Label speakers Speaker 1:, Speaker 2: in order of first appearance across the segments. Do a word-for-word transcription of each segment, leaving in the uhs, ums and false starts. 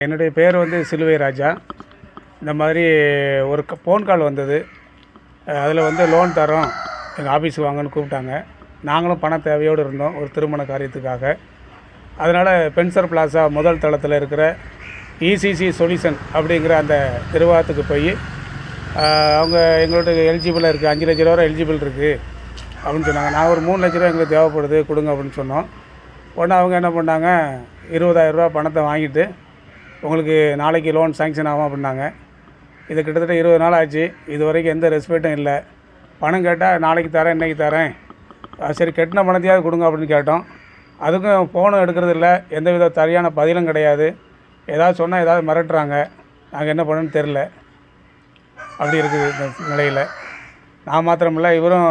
Speaker 1: என்னுடைய பேர் வந்து சிலுவை ராஜா. இந்த மாதிரி ஒரு ஃபோன் கால் வந்தது. அதில் வந்து லோன் தரோம், எங்கள் ஆஃபீஸுக்கு வாங்கன்னு கூப்பிட்டாங்க. நாங்களும் பண தேவையோடு இருந்தோம் ஒரு திருமண காரியத்துக்காக. அதனால் பென்சர் பிளாசா முதல் தளத்தில் இருக்கிற இசிசி சொல்யூஷன் அப்படிங்கிற அந்த நிர்வாகத்துக்கு போய் அவங்க எங்களோட எலிஜிபிளாக இருக்குது, அஞ்சு லட்ச ரூபா எலிஜிபிள் இருக்குது அப்படின்னு சொன்னாங்க. நான் ஒரு மூணு லட்ச ரூபா எங்களுக்கு தேவைப்படுது கொடுங்க அப்படின்னு சொன்னோம். உடனே அவங்க என்ன பண்ணாங்க, இருபதாயிரரூபா பணத்தை வாங்கிட்டு உங்களுக்கு நாளைக்கு லோன் சேங்ஷன் ஆகும் அப்படின்னாங்க. இது கிட்டத்தட்ட இருபது நாள் ஆச்சு, இது வரைக்கும் எந்த ரெஸ்பெக்டும் இல்லை. பணம் கேட்டால் நாளைக்கு தரேன், இன்றைக்கி தரேன், சரி கட்டின பணத்தையாவது கொடுங்க அப்படின்னு கேட்டோம். அதுக்கும் ஃபோனும் எடுக்கிறது இல்லை, எந்த வித சரியான பதிலும் கிடையாது. ஏதாவது சொன்னால் ஏதாவது மிரட்டுறாங்க. நாங்கள் என்ன பண்ணணும்னு தெரில. அப்படி இருக்குது இந்த நிலையில். நான் மாத்திரமில்லை, இவரும்.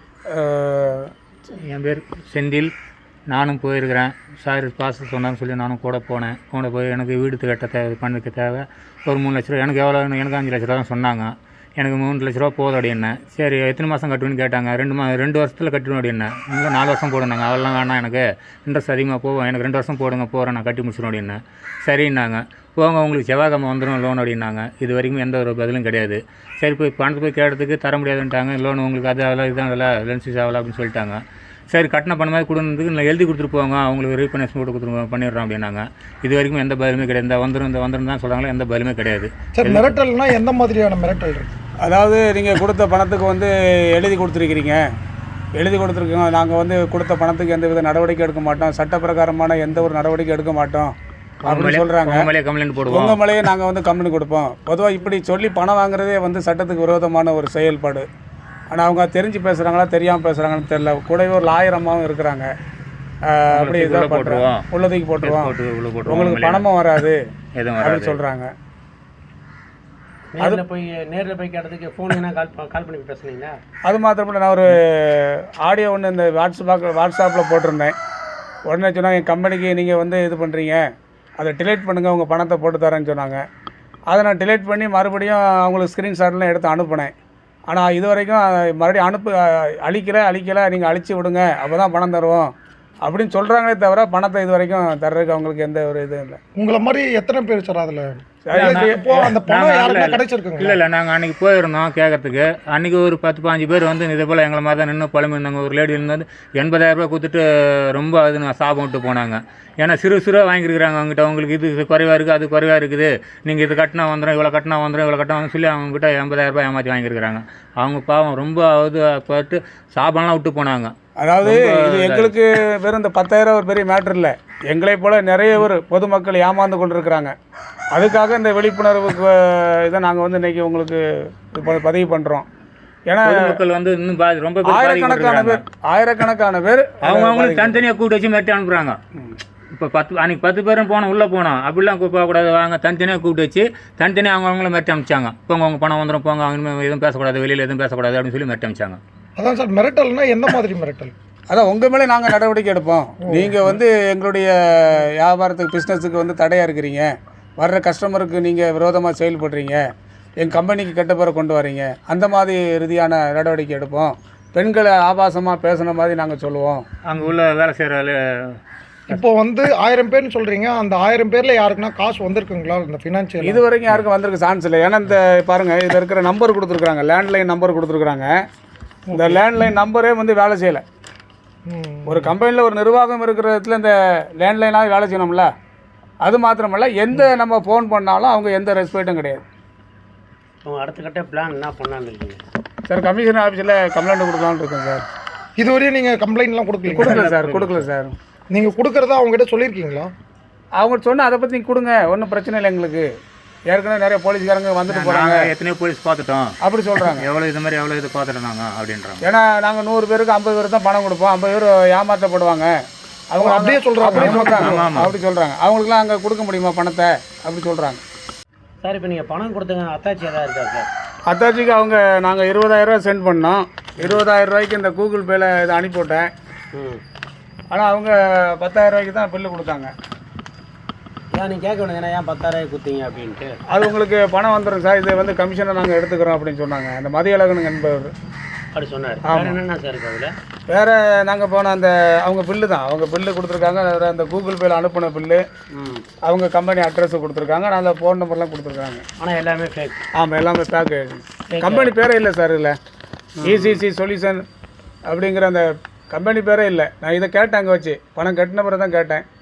Speaker 2: என் பேர் செந்தில். நானும் போயிருக்கிறேன். சார் காசு சொன்னான்னு சொல்லி நானும் கூட போனேன். கூட போய் எனக்கு வீடு கட்ட தேவை, பண்ணுக்கு தேவை ஒரு மூணு லட்ச ரூபா. எனக்கு எவ்வளோ, எனக்கு அஞ்சு லட்ச ரூபா தான் சொன்னாங்க. எனக்கு மூணு லட்ச ரூபா போதும் அப்படின்னேன். சரி எத்தனை மாதம் கட்டுவேன்னு கேட்டாங்க. ரெண்டு மா ரெண்டு வருஷத்தில் கட்டணும் அப்படின்னேன். இல்லை நாலு வருஷம் போடுனாங்க. அதெல்லாம் வேணாம், எனக்கு இன்ட்ரெஸ்ட் அதிகமாக போகும், எனக்கு ரெண்டு வருஷம் போடுங்க, போகிறேன், நான் கட்டி முடிச்சிடும் அப்படின்னேன். சரின்னாங்க. போங்க உங்களுக்கு செவ்வாய்க்கிழமை வந்துடும் லோன் அப்படின்னாங்க. இது வரைக்கும் எந்த ஒரு பதிலும் கிடையாது. சரி போய் பணத்தை போய் கேட்டதுக்கு தர முடியாதுன்ட்டாங்க. லோன் உங்களுக்கு அது அதெல்லாம் இதுதான் இல்லை, லென்சஸ் ஆகலை அப்படின்னு சொல்லிட்டாங்க. சரி கட்டண பணம் மாதிரி கொடுத்ததுக்கு நான் எழுதி கொடுத்துட்டு போவாங்க, அவங்களுக்கு ரீஃபைனான்ஸ் போட்டு கொடுத்துருவோம் பண்ணிடுறோம் அப்படின்னாங்க. இது வரைக்கும் எந்த பதிலுமே கிடையாது. இந்த வந்துடும் இந்த வந்துடும் தான் சொல்கிறாங்களே, எந்த பதிலுமே கிடையாது.
Speaker 3: சார் மிரட்டல்னா எந்த மாதிரியான மிரட்டல் இருக்குது?
Speaker 1: அதாவது நீங்கள் கொடுத்த பணத்துக்கு வந்து எழுதி கொடுத்துருக்கிறீங்க, எழுதி கொடுத்துருக்கோங்க, நாங்கள் வந்து கொடுத்த பணத்துக்கு எந்த வித நடவடிக்கை எடுக்க மாட்டோம், சட்டப்பிரகாரமான எந்த ஒரு நடவடிக்கை எடுக்க மாட்டோம் அப்படின்னு சொல்கிறாங்க.
Speaker 2: கம்ப்ளைண்ட் போடுவோம்,
Speaker 1: உங்கள் மேலேயே நாங்கள் வந்து கம்ப்ளைண்ட் கொடுப்போம். பொதுவாக இப்படி சொல்லி பணம் வாங்குறதே வந்து சட்டத்துக்கு விரோதமான ஒரு செயல்பாடு. ஆனால் அவங்க தெரிஞ்சு பேசுகிறாங்களா தெரியாமல் பேசுகிறாங்கன்னு தெரில. கூடவே ஒரு லாயர் அம்மாவும் இருக்கிறாங்க. அப்படி இதாக போட்டுருவோம், உள்ளதுக்கு போட்டுருவோம், உங்களுக்கு பணமும் வராது அப்படின்னு சொல்கிறாங்க.
Speaker 4: அதில் போய் நேரில் போய் கேட்டதுக்கு ஃபோன் என்ன கால் கால் பண்ணி பேசுனீங்களா?
Speaker 1: அது மாத்திரமில்லை, நான் ஒரு ஆடியோ ஒன்று இந்த வாட்ஸ்அப்பாக வாட்ஸ்அப்பில் போட்டிருந்தேன். உடனே சொன்னாங்க, என் கம்பெனிக்கு நீங்கள் வந்து இது பண்ணுறீங்க, அதை டிலீட் பண்ணுங்கள், உங்கள் பணத்தை போட்டு தரேன்னு சொன்னாங்க. அதை நான் டிலீட் பண்ணி மறுபடியும் அவங்களுக்கு ஸ்க்ரீன்ஷாட்லாம் எடுத்து அனுப்புனேன். ஆனால் இது வரைக்கும் மறுபடியும் அனுப்பு அழிக்கலை அழிக்கலை நீங்கள் அழிச்சு விடுங்க, அப்போ தான் பணம் தருவோம் அப்படின்னு சொல்கிறாங்களே தவிர பணத்தை இது வரைக்கும் தர்றதுக்கு அவங்களுக்கு எந்த ஒரு இதுவும் இல்லை.
Speaker 3: உங்களை மாதிரி எத்தனை பேர் சார் அதில்
Speaker 2: அந்த பணம் கிடைச்சிருக்குங்க? இல்லை இல்லை, நாங்கள் அன்றைக்கி போயிருந்தோம் கேட்கறதுக்கு. அன்றைக்கி ஒரு பத்து பாஞ்சு பேர் வந்து இதே போல் எங்களை மாதிரி தான் நின்று பழம்பு இருந்தாங்க. ஒரு லேடி இருந்து எண்பதாயிரரூபா கொடுத்துட்டு ரொம்ப அது நான் சாபம் விட்டு போனாங்க. ஏன்னா சிறு சிறுவாக வாங்கியிருக்கிறாங்க அவங்ககிட்ட. அவங்களுக்கு இது குறைவாக இருக்குது, அது குறைவாக இருக்குது, நீங்கள் இது கட்டினா வந்துடும், இவ்வளோ கட்டினா வந்துடும், இவ்வளோ கட்டினா வந்து சொல்லி அவங்ககிட்ட எண்பதாயிரரூபா ஏமாற்றி வாங்கியிருக்கிறாங்க. அவங்க பாவம் ரொம்ப அது பார்த்து சாபம்லாம் விட்டு போனாங்க.
Speaker 1: அதாவது இது எங்களுக்கு வெறும் இந்த பத்தாயிரம் ஒரு பெரிய மேட்ரு இல்லை. எங்களை போல் நிறைய பேர் பொதுமக்கள் ஏமாந்து கொண்டு இருக்கிறாங்க. அதுக்காக இந்த விழிப்புணர்வுக்கு இதை நாங்கள் வந்து இன்றைக்கி உங்களுக்கு பதிவு பண்ணுறோம். ஏன்னா
Speaker 2: மக்கள் வந்து இன்னும் ரொம்ப
Speaker 1: ஆயிரக்கணக்கான பேர் ஆயிரக்கணக்கான பேர்
Speaker 2: அவங்க அவங்களுக்கு தனித்தனியாக கூப்பிட்டு வச்சு மிரட்டி அனுப்புகிறாங்க. இப்போ பத்து அன்றைக்கி பத்து பேரும் போனோம், உள்ளே போனோம், அப்படிலாம் போகக்கூடாது, வாங்க தனித்தனியாக கூப்பிட்டு வச்சு தனித்தனியாக அவங்க அவங்கள மிரட்டி அனுப்பிச்சாங்க. போங்க அவங்க பணம் வந்துடும், போங்க அவங்க எதுவும் பேசக்கூடாது, வெளியில் எதுவும் பேசக்கூடாது அப்படின்னு சொல்லி மிரட்டி அனுப்பிச்சாங்க.
Speaker 3: அதான் சார் மிரட்டல்னா எந்த மாதிரி மிரட்டல்?
Speaker 1: அதான் உங்கள் மேலே நாங்கள் நடவடிக்கை எடுப்போம், நீங்கள் வந்து எங்களுடைய வியாபாரத்துக்கு பிஸ்னஸுக்கு வந்து தடையாக இருக்கிறீங்க, வர்ற கஸ்டமருக்கு நீங்கள் விரோதமாக செயல்படுறீங்க, எங்கள் கம்பெனிக்கு கெட்ட பேரை கொண்டு வரீங்க, அந்த மாதிரி ரீதியான நடவடிக்கை எடுப்போம். பெண்களை ஆபாசமாக பேசுன மாதிரி நாங்கள் சொல்லுவோம்.
Speaker 2: அங்கே உள்ள வேலை செய்கிற
Speaker 3: இப்போ வந்து ஆயிரம் பேர்னு சொல்கிறீங்க, அந்த ஆயிரம் பேரில் யாருக்குன்னா காசு வந்திருக்குங்களா இந்த ஃபினான்ஷியல்?
Speaker 1: இது வரைக்கும் யாருக்கும் வந்திருக்கு சான்ஸ் இல்லை. ஏன்னா இந்த பாருங்கள், இதில் இருக்கிற நம்பர் கொடுத்துருக்குறாங்க, லேண்ட்லைன் நம்பர் கொடுத்துருக்குறாங்க. இந்த லேண்ட்லைன் நம்பரே வந்து வேலை செய்யலை. ஒரு கம்பெனியில் ஒரு நிர்வாகம் இருக்கிற இடத்துல இந்த லேண்ட்லைனாக வேலை செய்யணும்ல. அது மாத்திரமல்ல, எந்த நம்ம ஃபோன் பண்ணாலும் அவங்க எந்த ரெஸ்பெக்டும் கிடையாது.
Speaker 4: அவங்க அடுத்த கட்ட பிளான் என்ன பண்ணான்னு இருக்கீங்க
Speaker 1: சார்? கமிஷனர் ஆஃபீஸில் கம்ப்ளைண்ட் கொடுக்கலான்னு இருக்கேன் சார்.
Speaker 3: இதுவரையும் நீங்கள் கம்ப்ளைண்ட்லாம் கொடுக்கல?
Speaker 1: கொடுக்கல சார், கொடுக்கல சார்.
Speaker 3: நீங்கள் கொடுக்குறதா அவங்ககிட்ட சொல்லியிருக்கீங்களா?
Speaker 1: அவங்க சொன்னால் அதை பற்றி கொடுங்க, ஒன்றும் பிரச்சனை இல்லை எங்களுக்கு. ஏற்கனவே நிறைய போலீஸ்காரங்க வந்துட்டு போகிறாங்க,
Speaker 2: எத்தனையோ போலீஸ் பார்த்துட்டோம் அப்படி
Speaker 1: சொல்கிறாங்க.
Speaker 2: எவ்வளோ இது மாதிரி எவ்வளோ இது பார்த்துட்டோம் நாங்கள் அப்படின்றாங்க.
Speaker 1: ஏன்னா நாங்கள் நூறு பேருக்கு ஐம்பது பேர் தான் பணம் கொடுப்போம், ஐம்பது பேர் ஏமாற்றப்படுவாங்க. அவங்க
Speaker 3: அப்படியே சொல்கிறாங்க,
Speaker 1: அப்படி சொல்கிறாங்க அப்படி சொல்கிறாங்க அவங்களுக்குலாம் அங்கே கொடுக்க முடியுமா பணத்தை அப்படி சொல்கிறாங்க.
Speaker 4: சார் இப்போ நீங்கள் பணம் கொடுத்தங்க அத்தாச்சி எதாவது இருக்கா சார்?
Speaker 1: அத்தாச்சிக்கு அவங்க நாங்கள் இருபதாயிரரூவா சென்ட் பண்ணோம். இருபதாயிரம் ரூபாய்க்கு இந்த கூகுள் பேயில் இதை அனுப்பிவிட்டேன். ஆனால் அவங்க பத்தாயிரம் ரூபாய்க்கு தான் பில்லு கொடுத்தாங்க.
Speaker 4: ஏன் நீங்கள் கேட்க வேண்டியது ஏன் பத்தாயிரம் கொடுத்தீங்க அப்படின்ட்டு?
Speaker 1: அது உங்களுக்கு பணம் வந்துடும் சார், இது வந்து கமிஷனை நாங்கள் எடுத்துக்கிறோம் அப்படின்னு சொன்னாங்க அந்த மதியழகன் என்பவர்.
Speaker 4: அப்படி சொன்னார். என்னென்ன சார் இருக்குது அதில்?
Speaker 1: வேறு நாங்கள் போன அந்த அவங்க பில்லு தான் அவங்க பில்லு கொடுத்துருக்காங்க. வேறு அந்த கூகுள் பேயில் அனுப்பின பில்லு, அவங்க கம்பெனி அட்ரஸ் கொடுத்துருக்காங்க, நான் அந்த ஃபோன் நம்பர்லாம் கொடுத்துருக்காங்க.
Speaker 4: ஆனால் எல்லாமே ஃபேக்.
Speaker 1: ஆமாம், எல்லாமே பேக்கு. கம்பெனி பேரே இல்லை சார் இல்லை. இசிசி சொல்யூஷன் அப்படிங்கிற அந்த கம்பெனி பேரே இல்லை. நான் இதை கேட்டேன், அங்கே வச்சு பணம் கட்டின பிறகு தான் கேட்டேன்.